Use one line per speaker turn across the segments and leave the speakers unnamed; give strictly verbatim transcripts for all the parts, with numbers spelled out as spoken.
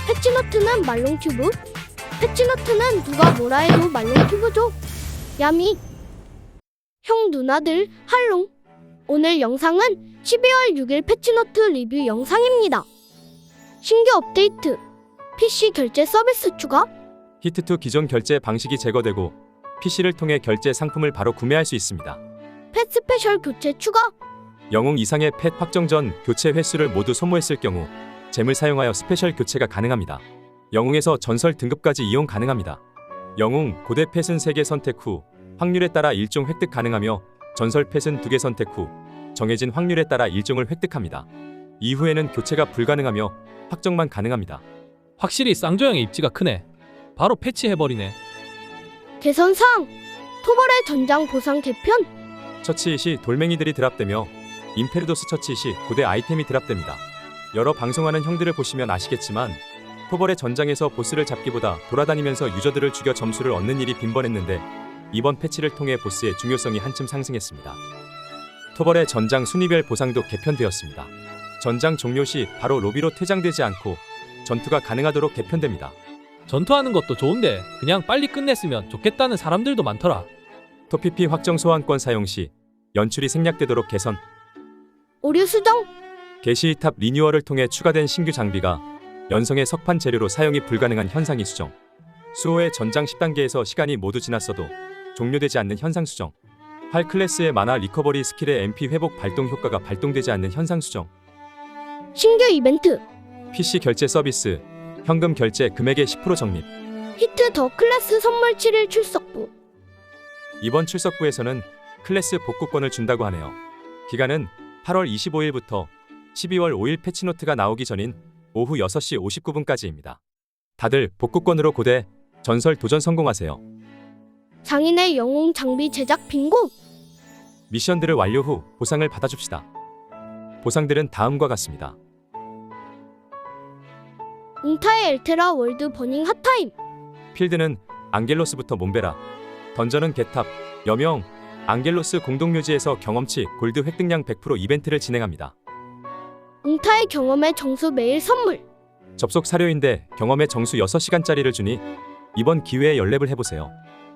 패치너트는 말롱튜브. 패치너트는 누가 뭐라 해도 말롱튜브죠. 야미. 형 누나들 할롱. 오늘 영상은 십이월 육일 패치너트 리뷰 영상입니다. 신규 업데이트, 피씨 결제 서비스 추가,
히트투 기존 결제 방식이 제거되고 피씨를 통해 결제 상품을 바로 구매할 수 있습니다.
펫 스페셜 교체 추가,
영웅 이상의 펫 확정 전 교체 횟수를 모두 소모했을 경우 잼을 사용하여 스페셜 교체가 가능합니다. 영웅에서 전설 등급까지 이용 가능합니다. 영웅 고대 펫은 세 개 선택 후 확률에 따라 일 종 획득 가능하며 전설 펫은 두 개 선택 후 정해진 확률에 따라 일 종을 획득합니다. 이후에는 교체가 불가능하며 확정만 가능합니다.
확실히 쌍조형의 입지가 크네. 바로 패치해버리네.
개선사항, 토벌의 전장 보상 개편,
처치 시 돌멩이들이 드랍되며 임페르도스 처치 시 고대 아이템이 드랍됩니다. 여러 방송하는 형들을 보시면 아시겠지만 토벌의 전장에서 보스를 잡기보다 돌아다니면서 유저들을 죽여 점수를 얻는 일이 빈번했는데 이번 패치를 통해 보스의 중요성이 한층 상승했습니다. 토벌의 전장 순위별 보상도 개편되었습니다. 전장 종료 시 바로 로비로 퇴장되지 않고 전투가 가능하도록 개편됩니다.
전투하는 것도 좋은데 그냥 빨리 끝냈으면 좋겠다는 사람들도 많더라.
토피피 확정 소환권 사용 시 연출이 생략되도록 개선.
오류 수정,
게시 탑 리뉴얼을 통해 추가된 신규 장비가 연성의 석판 재료로 사용이 불가능한 현상이 수정. 수호의 전장 십 단계에서 시간이 모두 지났어도 종료되지 않는 현상 수정. 활 클래스의 마나 리커버리 스킬의 엠피 회복 발동 효과가 발동되지 않는 현상 수정.
신규 이벤트,
피씨 결제 서비스, 현금 결제 금액의 십 퍼센트 적립.
히트 더 클래스 선물 칠 일 출석부,
이번 출석부에서는 클래스 복구권을 준다고 하네요. 기간은 팔월 이십오일부터 십이월 오일 패치노트가 나오기 전인 오후 여섯 시 오십구 분까지입니다. 다들 복구권으로 고대 전설 도전 성공하세요.
장인의 영웅 장비 제작 빙고,
미션들을 완료 후 보상을 받아줍시다. 보상들은 다음과 같습니다.
웅타의 엘테라 월드 버닝 핫타임,
필드는 앙겔로스부터 몬베라, 던전은 개탑, 여명, 앙겔로스 공동묘지에서 경험치 골드 획득량 백 퍼센트 이벤트를 진행합니다.
웅타의 경험의 정수 매일 선물,
접속 사료인데 경험의 정수 여섯 시간짜리를 주니 이번 기회에 연랩을 해보세요.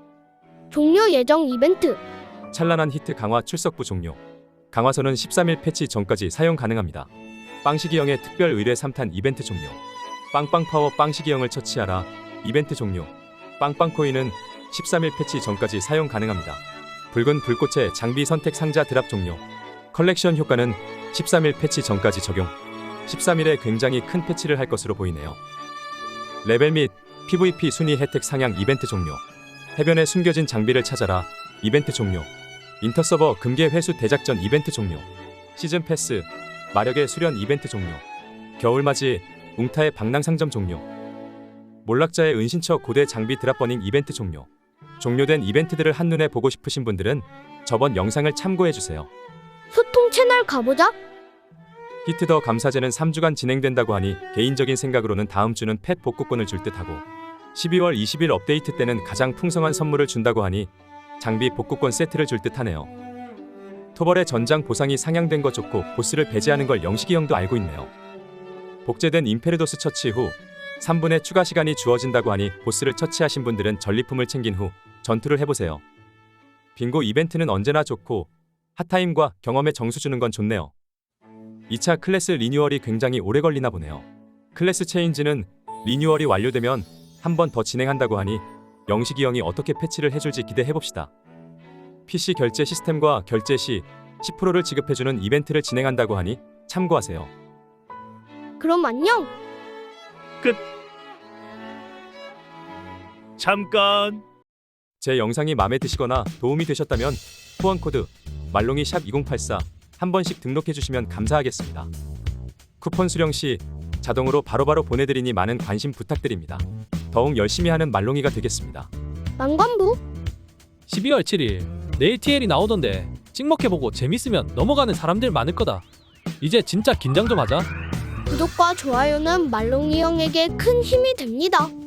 종료 예정 이벤트,
찬란한 히트 강화 출석부 종료. 강화서는 십삼일 패치 전까지 사용 가능합니다. 빵시기형의 특별 의뢰 삼 탄 이벤트 종료. 빵빵파워 빵시기형을 처치하라 이벤트 종료. 빵빵코인은 십삼일 패치 전까지 사용 가능합니다. 붉은 불꽃의 장비 선택 상자 드랍 종료. 컬렉션 효과는 십삼일 패치 전까지 적용. 십삼일에 굉장히 큰 패치를 할 것으로 보이네요. 레벨 및 피브이피 순위 혜택 상향 이벤트 종료. 해변에 숨겨진 장비를 찾아라 이벤트 종료. 인터서버 금괴 회수 대작전 이벤트 종료. 시즌 패스 마력의 수련 이벤트 종료. 겨울맞이 웅타의 방랑상점 종료. 몰락자의 은신처 고대 장비 드랍 버닝 이벤트 종료. 종료된 이벤트들을 한눈에 보고 싶으신 분들은 저번 영상을 참고해주세요.
소통 채널 가보자.
히트 더 감사제는 삼 주간 진행된다고 하니 개인적인 생각으로는 다음 주는 펫 복구권을 줄 듯하고 십이월 이십일 업데이트 때는 가장 풍성한 선물을 준다고 하니 장비 복구권 세트를 줄 듯하네요. 토벌의 전장 보상이 상향된 거 좋고 보스를 배제하는 걸 영식이 형도 알고 있네요. 복제된 임페르도스 처치 후 삼 분의 추가 시간이 주어진다고 하니 보스를 처치하신 분들은 전리품을 챙긴 후 전투를 해보세요. 빙고 이벤트는 언제나 좋고 핫타임과 경험의 정수 주는 건 좋네요. 이 차 클래스 리뉴얼이 굉장히 오래 걸리나 보네요. 클래스 체인지는 리뉴얼이 완료되면 한 번 더 진행한다고 하니 영식이 형이 어떻게 패치를 해줄지 기대해봅시다. 피씨 결제 시스템과 결제 시 십 퍼센트를 지급해주는 이벤트를 진행한다고 하니 참고하세요.
그럼 안녕.
끝. 잠깐.
제 영상이 마음에 드시거나 도움이 되셨다면 후원 코드 말롱이 샵 이공팔사 한 번씩 등록해주시면 감사하겠습니다. 쿠폰 수령 시 자동으로 바로바로 보내드리니 많은 관심 부탁드립니다. 더욱 열심히 하는 말롱이가 되겠습니다.
망관부,
십이월 칠일 내일 티엘이 나오던데 찍먹해보고 재밌으면 넘어가는 사람들 많을 거다. 이제 진짜 긴장 좀 하자.
구독과 좋아요는 말롱이 형에게 큰 힘이 됩니다.